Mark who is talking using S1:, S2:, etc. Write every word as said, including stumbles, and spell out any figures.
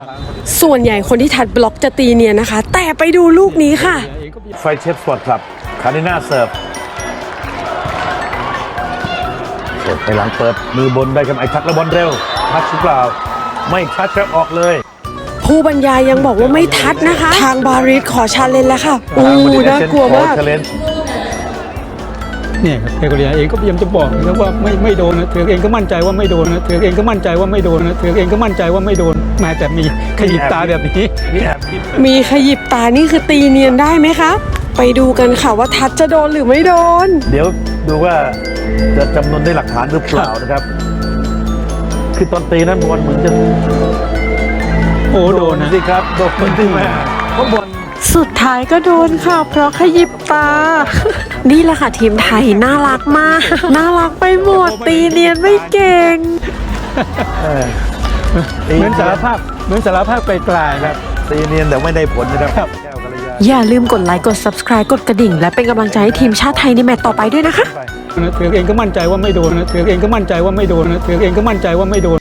S1: ส่วนใหญ่คนที่ทัดบล็อกจะตีเนียนนะคะแต่ไปดูลูกนี้ค่ะ
S2: ไฟเชฟสปอร์ตคลับคาริน่าเสิร์ฟเสิร์ฟไปหลังเปิดมือบนได้ครับไอ้ทักแล้วบอลเร็วทัชหรือเปล่าไม่ทัชครับออกเลย
S1: ผู้บรรยายยังบอกว่าไม่ทัดนะคะทางบาริสขอชาเลนจ์แล้วค่ะอู้น่ากลัวมาก
S3: เนี่ยครับเอโกเรียเองก็พยายามจะบอกนะครับว่าไม่ไม่โดนนะเธอเองก็มั่นใจว่าไม่โดนนะเธอเองก็มั่นใจว่าไม่โดนนะเธอเองก็มั่นใจว่าไม่โดนแม้แต่มีขยิบตาแบบนี้
S1: มีขยิบตานี่คือตีเนียนได้ไหมคะไปดูกันค่ะว่าทัดจะโดนหรือไม่โดน
S2: เดี๋ยวดูว่าจะจำนวนได้หลักฐานหรือเปล่านะครับคือตอนตีนั้นบอลเหมือนจะ
S3: โอ้โดนนะ
S2: สิครับโดนที่แม่เพราะบอล
S1: สุดท้ายก็โดนค่ะเพราะขยิบตา นี่แหละค่ะทีมไทยน่ารักมากน่ารักไปหมดตีเนียนไม่เก่ง
S3: เหมือนสารภาพเหมือนสารภาพไกลๆครับ
S2: ตีเนียนแต่ไม่ได้ผลนะครับ
S1: อย่าลืมกดไลค์กด ซับสไครบ์ กดกระดิ่งและเป็นกำลังใจให้ทีมชาติไทยในแมตช์ต่อไปด้วยนะคะ
S3: เธอเองก็มั่นใจว่าไม่โดนนะเธอเองก็มั่นใจว่าไม่โดนนะเธอเองก็มั่นใจว่าไม่โดน